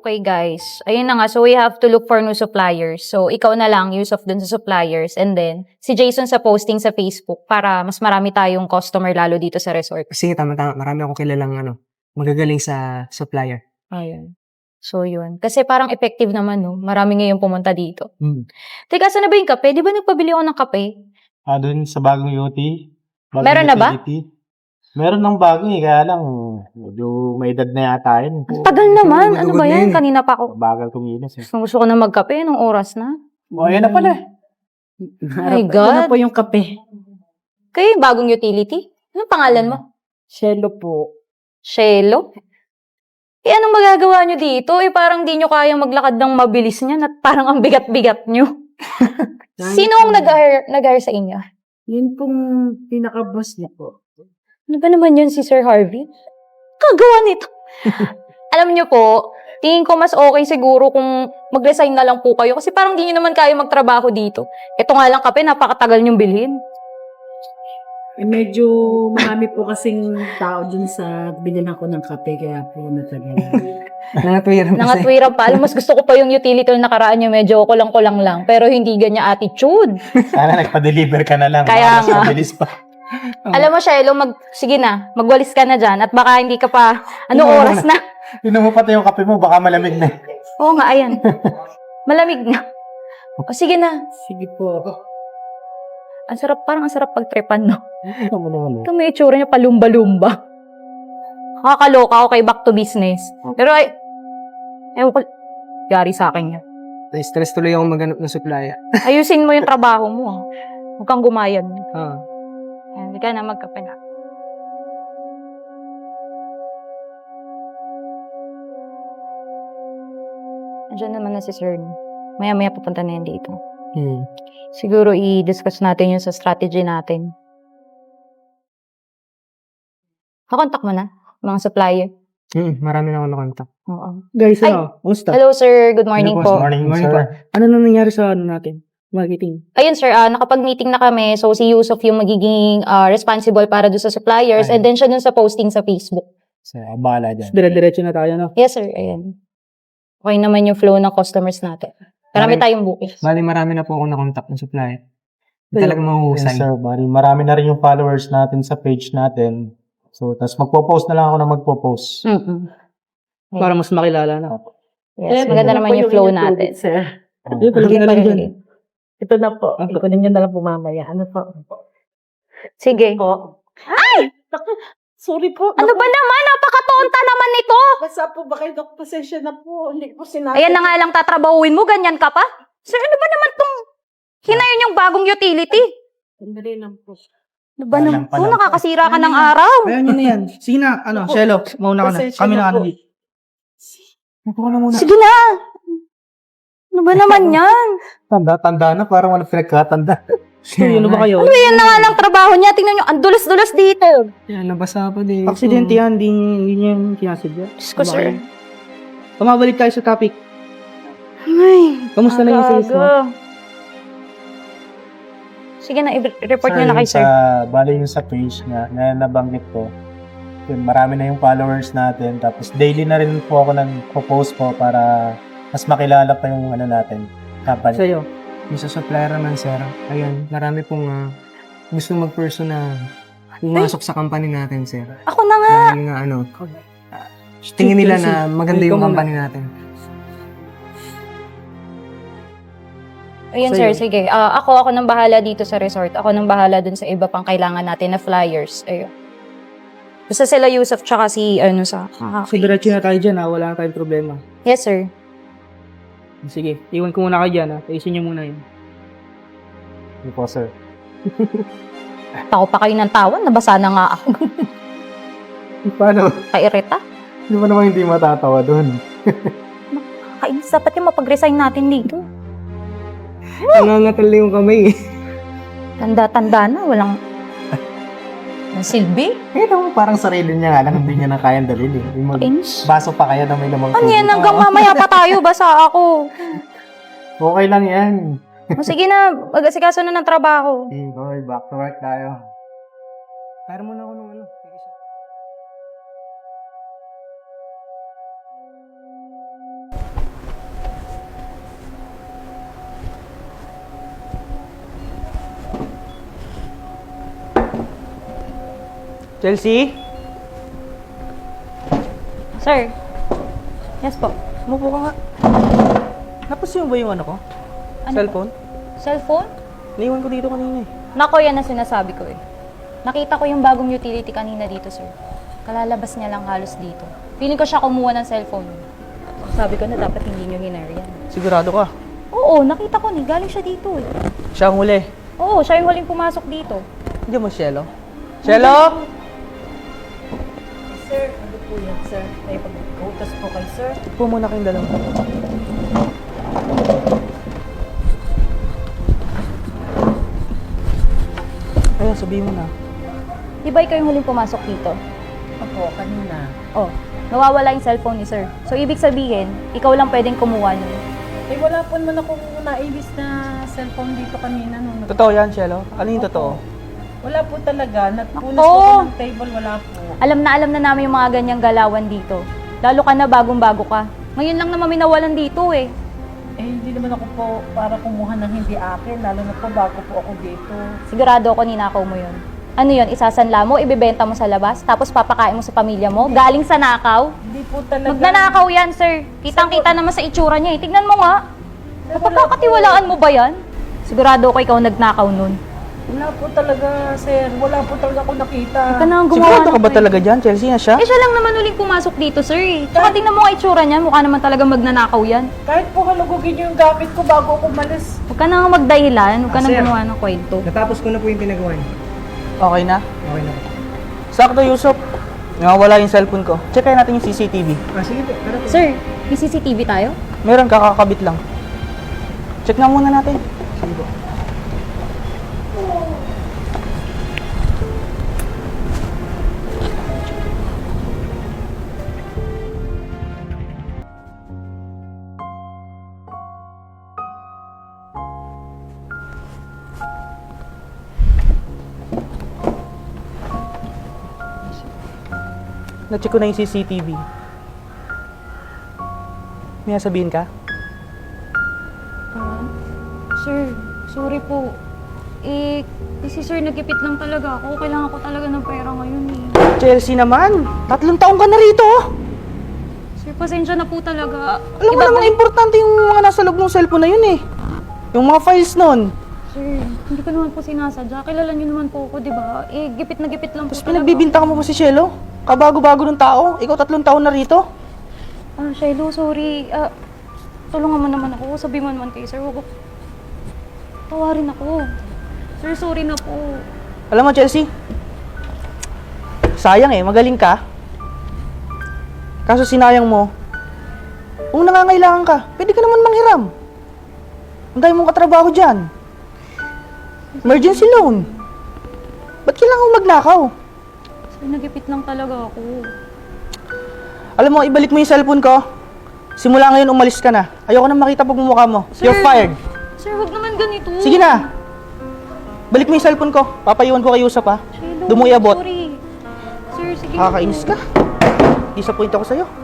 Okay guys, ayun na nga. So we have to look for new suppliers. So ikaw na lang, use of dun sa suppliers. And then, si Jason sa posting sa Facebook para mas marami tayong customer lalo dito sa resort. Sige, tama. Marami akong kilalang magagaling sa supplier. Ayun. So yun. Kasi parang effective naman, no? Marami ngayon pumunta dito. Hmm. Teka, saan na ba yung kape? Di ba nagpabili ako ng kape? Doon sa bagong UT. Bagong Meron na ba? utility. Meron ng bago kaya lang medyo may edad na yata yun. Ang tagal naman. Ano ba madugod na yan? yun eh. Kanina pa ako. Bagal kumilos eh. Gusto ko na magkape. Anong oras na? Ayan na pala. My Ito God. na po yung kape. Kayo yung bagong utility? Anong pangalan mo? Shelo po. Shelo? Eh, anong magagawa nyo dito? Eh, parang di nyo kayang maglakad ng mabilis niyan at parang ang bigat-bigat nyo. Sino ang nag-hire sa inyo? Yun pong pinaka-boss niya po. Ano ba naman yun si Sir Harvey? Kagawa nito. Alam nyo po, tingin ko mas okay siguro kung mag-resign na lang po kayo kasi parang di nyo naman kaya magtrabaho dito. Ito nga lang kape, napakatagal nyong bilhin. Eh, medyo marami po kasing tao dun sa binilhan ko ng kape kaya po natagal. Nangatwiran kasi. Nangatwiran pa. Alam, mas gusto ko pa yung utility na nakaraan nyo, medyo kulang-kulang lang. Pero hindi ganyan attitude. Sana nagpa-deliver ka na lang. Kaya Mas nga. mabilis pa. Alam mo, Shelo, sige na, magwalis ka na dyan at baka hindi ka pa, oras na? Tinan mo pati yung kape mo, baka malamig na. Oo nga, ayan. Malamig na. O, sige na. Sige po. Ang sarap, parang ang sarap pagtripan, no? Ano naman eh. Ito may itsura niya palumba-lumba. Kakaloka, okay, back to business. Pero ay, ewan ko, yari sa akin yan. Stress tuloy ako maghanap ng supplier. Ayusin mo yung trabaho mo, ha? Huwag kang gumayad. Ah. Hindi ka na magkape na. Andiyan naman na si Sir. Maya-maya pupunta na yan dito. Siguro i-discuss natin yun sa strategy natin. Kakontak mo na, mga supplier. Marami na ako nakontak. Oo. Guys, Ay! Kumusta? Hello, sir. Good morning Good po. morning, Morning sir. po. Ano na nangyari sa natin? Marketing. Ayun, sir. Nakapag-meeting na kami. So, si Yusuf yung magiging responsible para doon sa suppliers. Ay. And then, siya dun sa posting sa Facebook. So, abala dyan. Dire-diretso na tayo, no? Yes, sir. Ayan. Okay naman yung flow ng customers natin. Marami tayong booking. Bali, marami na po ako nakontak ng supplier. Ayun. Talagang Yes, mahuhusay. sir. Marami na rin yung followers natin sa page natin. So, tas magpo-post na lang ako na magpo-post. Para mas makilala na. Yes, maganda naman yung flow natin. Sir. Oh. Palagay na lang dyan. Ito na po. Ikunin nyo na lang po mamaya. Ano po? Sige. Po. Ay! Sorry po. Ano ba naman? Napakatonta naman nito! Basta po ba kayo, Dok? Pasensya na po. Hindi po sinabi. Ayan na nga lang tatrabahuin mo, ganyan ka pa? Sir, ano ba naman tong hinayon yung bagong utility? Sandali lang po. Ano ba naman? Walang Oh, palang- nakakasira ka ng araw. Ayan yun na yan. Sige na, Shelo, mauna ka na. Pasensya Kami na na po. dito. Ako na muna. Sige na! Ano ba naman yan? Tanda na. Parang walang pinagkatanda. Ano ba kayo? Ano yan na nga lang trabaho niya? Tingnan nyo, ang dulas-dulas dito. Yan, nabasa pa din. Aksidente yan, hindi niya yung kinasadya. Diyos ko, sir. Pumabalik tayo sa topic. Ay, Kamusta na yung sales mo? aga. Sige na, i-report nyo na kay sir. Bali yung sa page na nabanggit ko. Yun, marami na yung followers natin. Tapos daily na rin po ako nag-post po para mas makilala pa yung natin. Company. Sa'yo. Yung sa supplier naman, sir. Ayun, marami pong gusto mag-person na pumasok sa company natin, sir. Ako na nga. Dahil nga tingin nila na maganda yung Ikaw muna. company natin. Ayun, Sa'yo. sir, sige. Ako nang bahala dito sa resort. Ako nang bahala dun sa iba pang kailangan natin na flyers. Ayun. Basta sila Yusuf tsaka si, So, diretso na tayo dyan, wala na tayong problema. Yes, sir. Sige, iwan ko muna kayo dyan, Ayusin nyo muna yun. Hindi po, sir. Tako pa kayo ng tawan. Nabasa na nga ako. Paano? Kairita. Hindi mo naman hindi matatawa doon. Kainis. Dapat yung mapag-resign natin dito. Nangangatal na yung kamay. Tanda-tanda na. Walang silbi. Parang sarili niya nga lang, hindi niya na kayang dalhin eh. Yung Kainis. baso pa kaya na may lamang Ano yan? Hanggang mamaya pa tayo. Basa ako. Okay lang yan. O, sige na. Mag-asikaso na ng trabaho. Okay, back to work tayo. Para mo na ako nung Chelsea? Sir. Yes po. Umupo ka nga. Napansin mo ba yung ano ko? Ano Cellphone? Cellphone? Naiwan ko dito kanina eh. Nako, yan ang sinasabi ko eh. Nakita ko yung bagong utility kanina dito, sir. Kalalabas niya lang halos dito. Feeling ko siya kumuha ng cellphone. Sabi ko na dapat hindi niyo hinare yan. Sigurado ka? Oo, nakita ko ni. Galing siya dito eh. Siya ang huli. Oo, siya yung huling pumasok dito. Hindi mo, Shelo? Shelo? Sir, ano po yan, sir? May pag-utas po kay sir. Upo muna kayong dalawa. Ayun, sabihin mo na. Di ba ikaw yung huling pumasok dito? Opo, kanina. Oh, nawawala yung cellphone ni sir. So, ibig sabihin, ikaw lang pwedeng kumuha nun. Eh, wala po naman akong naibis na cellphone dito kanina. Nung Totoo yan, Shelo? Ano yung totoo? Wala po talaga. Natpunas Ako! po ko ng table, wala po. Alam na namin yung mga ganyang galawan dito. Lalo ka na bagong-bago ka. Ngayon lang naman minawalan dito eh. Eh, hindi naman ako po para kumuha ng hindi akin. Lalo na po bago po ako dito. Sigurado ako ninakaw mo yun. Ano yun, isasanla mo, ibibenta mo sa labas, tapos papakain mo sa pamilya mo, galing sa nakaw? Hindi po talaga. Magnanakaw yan, sir. Kitang-kita naman sa itsura niya eh. Tignan mo nga. Napagkakatiwalaan mo ba yan? Sigurado ako ikaw nagnakaw nun. Wala po talaga, sir. Wala po talaga ako nakita. Huwag ka nang gumawa Sigurado ka ng ba kwento. talaga dyan, Chelsea, na siya? Eh, siya lang naman uling pumasok dito, sir eh. Tsaka tingnan mo nga itsura niya, mukha naman talaga magnanakaw yan. Kahit po halugugin niyo yung gamit ko bago ako umalis. Huwag ka nang magdahilan, huwag ka nang Sir. gumawa ng kwento. Natapos ko na po yung pinagawa niyo. Okay na? Okay na. Sakto, Yusuf. Nawawala yung cellphone ko. Checkin natin yung CCTV. Ah, sige po. Tara po. Sir, may CCTV tayo? Meron, kakakabit lang. Check nga muna natin. Sige po. Na-check ko na yung CCTV. May sabihin ka? Sir, sorry po. Si sir nagkipit lang talaga ako. Kailangan ko talaga ng pera ngayon eh. Chelsea naman! 3 taong ka na rito! Sir, pasensya na po talaga. Alam mo namang importante yung mga nasa loob ng cellphone na yun eh. Yung mga files nun. Sir, hindi ko naman po sinasadya. Kilala niyo naman po ako, di ba? Gipit na gipit lang po Tapos talaga. pinagbibintangan mo pa si Shelo. Kabago-bago ng tao. Ikaw 3 taon na rito. Shiloh, sorry. Tulungan mo naman ako. Sabi mo naman kay sir, huwag ko. Tawarin ako. Sir, sorry na po. Alam mo, Chelsea, sayang eh, magaling ka. Kaso sinayang mo, kung nangangailangan ka, pwede ka naman manghiram. Ang dami mong katrabaho dyan. Emergency loan. Ba't kailangan mo magnakaw? Sir, nagipit lang talaga ako. Alam mo, ibalik mo yung cellphone ko. Simula ngayon, umalis ka na. Ayoko na makita pagmumukha mo. Sir. You're fired. Sir, huwag naman ganito. Sige na. Balik mo yung cellphone ko. Papayuan ko kay Yusuf, ha? Shiloh, Doon mo iabot. sorry. Sir, sige na Kakainis po. ka. Disappoint ako sa'yo.